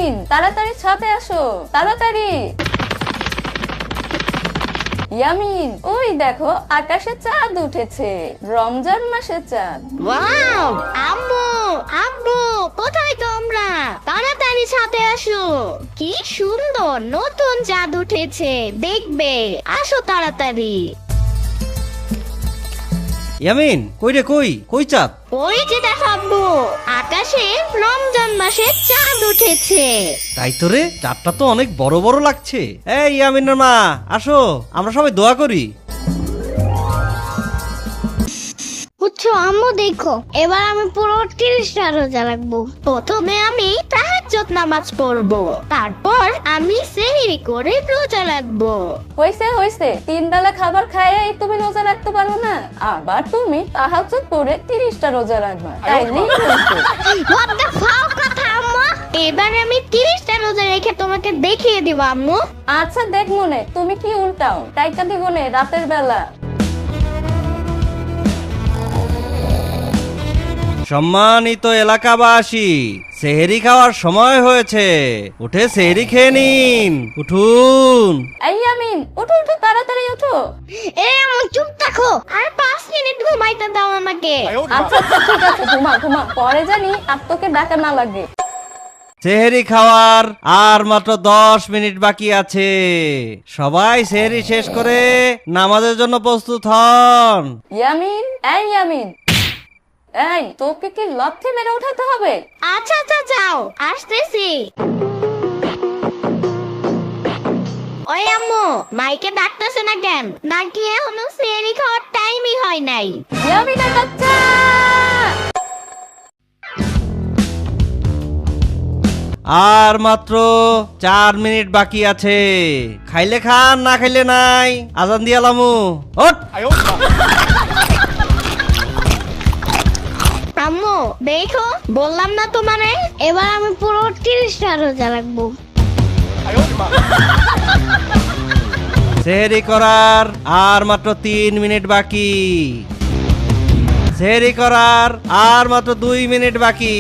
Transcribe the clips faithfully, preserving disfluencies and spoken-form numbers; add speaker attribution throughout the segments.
Speaker 1: ইয়ামিন তাড়াতাড়ি ছাদে আসো, তাড়াতাড়ি। ইয়ামিন ওই দেখো আকাশে চাঁদ উঠেছে, রমজান মাসের চাঁদ।
Speaker 2: ওয়াও আম্মু আব্বু কোথায় তোমরা? তাড়াতাড়ি ছাদে আসো, কি সুন্দর নতুন চাঁদ উঠেছে, দেখবে, আসো তাড়াতাড়ি।
Speaker 3: ইয়ামিন কই রে, কই কই চাঁদ?
Speaker 2: ওই যে দেখো আব্বু, আকাশে রমজান মাসে চাঁদ উঠেছে।
Speaker 3: তাই তো রে, চাঁদটা তো অনেক বড় বড় লাগছে। এই ইয়ামিনের মা আসো, আমরা সবাই দোয়া করি।
Speaker 2: বুঝছো আম্মু, দেখো এবার আমি পুরো তিরিশটা রোজা রাখবো। প্রথমে আমি তাহাজ্জুদ নামাজ পড়বো, তারপর আমি সেহরি করে রোজা রাখবো।
Speaker 1: হইছে হইছে, তিন বেলা খাবার খাইয়ে তুমি রোজা রাখতে পারো না, আবার তুমি তাহাজ্জুদ পড়ে তিরিশটা রোজা রাখবা, তাইলেই হইছে।
Speaker 2: What the fuck কথা আম্মু, এবার আমি তিরিশটা রোজা রেখে তোমাকে দেখিয়ে দিব আম্মু।
Speaker 1: আচ্ছা দেখ মনে, তুমি কি উল্টাও, টাইকা দিব নে রাতের বেলা।
Speaker 3: সম্মানিত এলাকাবাসী, সেহরি খাওয়ার সময় হয়েছে, উঠে সেহরি খেয়ে নিন, উঠুন।
Speaker 1: এই ইয়ামিন উঠো উঠো, তাড়াতাড়ি উঠো।
Speaker 2: এ আম্মু চুপ থাকো, আর পাঁচ মিনিট ঘুমাইতে দাও আমাকে।
Speaker 1: আচ্ছা আচ্ছা ঠিক আছে, ঘুমা ঘুমা, পরে জানি আর তোকে ডাকা না লাগে।
Speaker 3: সেহরি খাওয়ার আর মাত্র দশ মিনিট বাকি আছে, সবাই সেহরি শেষ করে নামাজের জন্য প্রস্তুত হন।
Speaker 1: ইয়ামিন এই ইয়ামিন, এই তোকে কি লাথি মেরে উঠাতে হবে?
Speaker 2: আচ্ছা আচ্ছা যাও, আসতেছি। ওই আম্মু, মাইকে ডাকতেছে না কেন? নাকি এখনো সেহরি খাওয়ার টাইমই হয় নাই?
Speaker 1: ইয়ামিনের বাচ্চা,
Speaker 3: আর মাত্র চার মিনিট বাকি আছে, খাইলে খান না খাইলে নাই, আজান দিয়ালামু, ওঠ।
Speaker 2: আম্মু দেখো, বললাম না তোমারে, এবার আমি পুরো তিরিশটা রোজা রাখবো।
Speaker 3: সেহরি করার আর মাত্র তিন মিনিট বাকি, সেহরি করার আর মাত্র দুই মিনিট বাকি,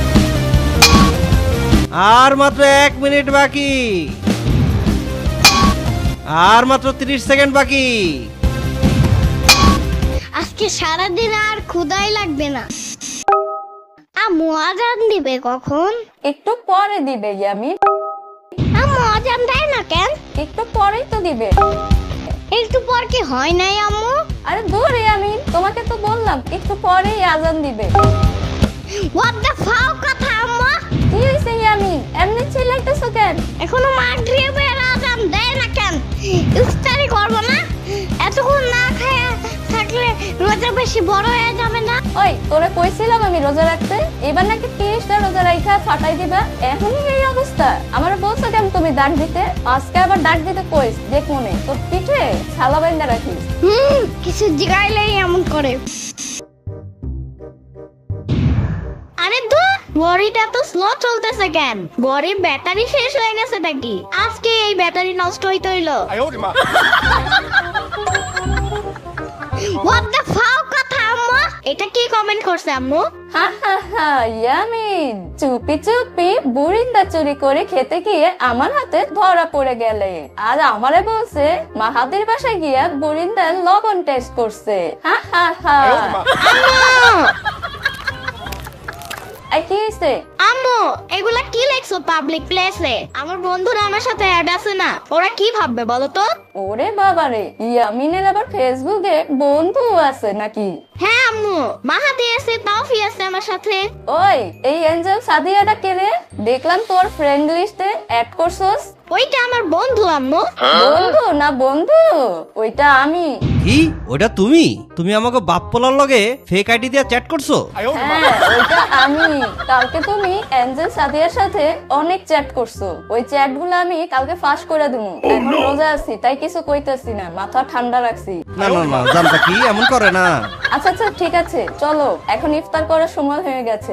Speaker 3: আর মাত্র এক মিনিট বাকি, আর মাত্র ত্রিশ সেকেন্ড বাকি।
Speaker 2: আজকে সারাদিন আর ক্ষুধাই লাগবে না। আম্মু আজান দিবে কখন?
Speaker 1: একটু পরে দিবে ইয়ামিন।
Speaker 2: আম্মু আজান দেয় না কেন?
Speaker 1: একটু পরেই তো দিবে।
Speaker 2: একটু পর কি হয় নাই আম্মু?
Speaker 1: আরে দূর ইয়ামিন, তোমাকে তো বললাম একটু পরেই আজান দিবে।
Speaker 2: What the fuck কথা আম্মু?
Speaker 1: কি হইছে ইয়ামিন, এমনি চিল্লাইতেছো কেন?
Speaker 2: এখনো মাগরিবের আজান দেয় না কেন? ইফতারি করব না? এতক্ষণ না খায়া থাকলে রোজা বেশি বড় হয়ে যাবে না?
Speaker 1: ওই তোরে কইছিলাম আমি রোজা রাখতে, এবার নাকি তিরিশটা রোজা রাইখা ফাটাই দিবা, এখনই এই অবস্থা। আমার বলছো কেন তুমি ডাক দিতে, আজকে আবার ডাক দিতে কইস, দেখ মনে তোর পিঠে ছালা বাইন্দা রাখিস।
Speaker 2: হুম, কিছু জিগাইলেই এমন করে। আরে ধুর, ঘড়িটা তো স্লো চলতেছে কেন? ঘড়ির ব্যাটারি শেষ হয়ে গেছে নাকি? আজকে এই ব্যাটারি নষ্ট হইতে হইলো। What the fuck কথা আম্মু? এটা কি কমেন্ট করছে আম্মু?
Speaker 1: হা হা হা ইয়ামিন, চুপি চুপি বুরিন্দা চুরি করে খেতে গিয়ে আমার হাতে ধরা পড়ে গেলে, আর আমারে বলছে মাহাদির বাসায় গিয়া বুরিন্দার লবণ টেস্ট করছে। হা হা হা। এই কি হইছে?
Speaker 2: আম্মু এগুলা কি লেখছো পাবলিক প্লেসে? আমার বন্ধুরা আমার সাথে অ্যাড আছে না, ওরা কি ভাববে বলো তো?
Speaker 1: ওরে বাবারে, ইয়ামিনের আবার ফেসবুকে বন্ধু আছে নাকি?
Speaker 2: হ্যাঁ আম্মু, মাহাদি আছে, তাওফি আছে আমার সাথে।
Speaker 1: ওই এই এঞ্জেল সাদিয়াটা কে রে? দেখলাম তোর ফ্রেন্ড লিস্টে অ্যাড করছস।
Speaker 2: ওইটা আমার বন্ধু আম্মু।
Speaker 1: বন্ধু না বন্ধু, ওইটা আমি।
Speaker 3: কি ওটা তুমি? তুমি আমাকে বাপ পোলার লগে ফেক আইডি দিয়ে চ্যাট করছো?
Speaker 1: হ্যাঁ ওইটা আমি। কালকে তুমি এঞ্জেল সাদিয়ার সাথে অনেক চ্যাট করছো, ওই চ্যাট গুলো আমি কালকে ফাঁস করে দেবো। এখন রোজা আছি তাই কিছু কইতেছি না, মাথা ঠান্ডা রাখছি।
Speaker 3: না না না, জানতা কি এমন করে না।
Speaker 1: আচ্ছা আচ্ছা ঠিক আছে, চলো এখন ইফতার করার সময় হয়ে গেছে।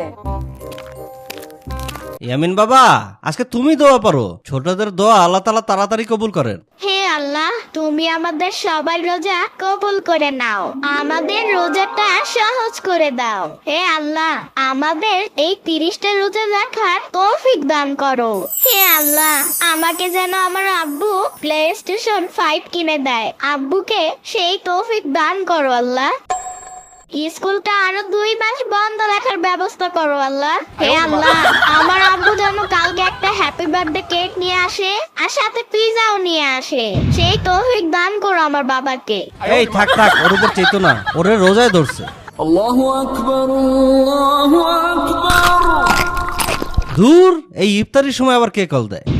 Speaker 3: ইয়ামিন বাবা, আজকে তুমি দোয়া পারো, ছোটদের দোয়া আল্লাহ তাআলা তাড়াতাড়ি কবুল করেন।
Speaker 2: হে আল্লাহ, তুমি আমাদের সবার রোজা কবুল করে নাও, আমাদের রোজাটা সহজ করে দাও। হে আল্লাহ, আমাদের এই তিরিশটা রোজা রাখার তৌফিক দান করো। হে আল্লাহ, আমাকে যেন আমার আব্বু প্লে স্টেশন ফাইভ কিনে দেয়। আব্বুকে সেই তৌফিক দান করো আল্লাহ। স্কুলটা আরো দুই মাস বন্ধ রাখার ব্যবস্থা করো আল্লাহ। হে আল্লাহ, আমার আব্বু যেন কালকে একটা হ্যাপি বার্থডে কেক নিয়ে আসে আর সাথে পিজাও নিয়ে আসে। সেই তৌফিক দান করো আমার বাবাকে।
Speaker 3: এই থাক থাক, ওর উপর চেতো না, ওরে রোজায় ধরছে।
Speaker 4: আল্লাহু আকবার, আল্লাহু আকবার।
Speaker 3: দূর, এই ইফতারির সময় আবার কে কল দেয়?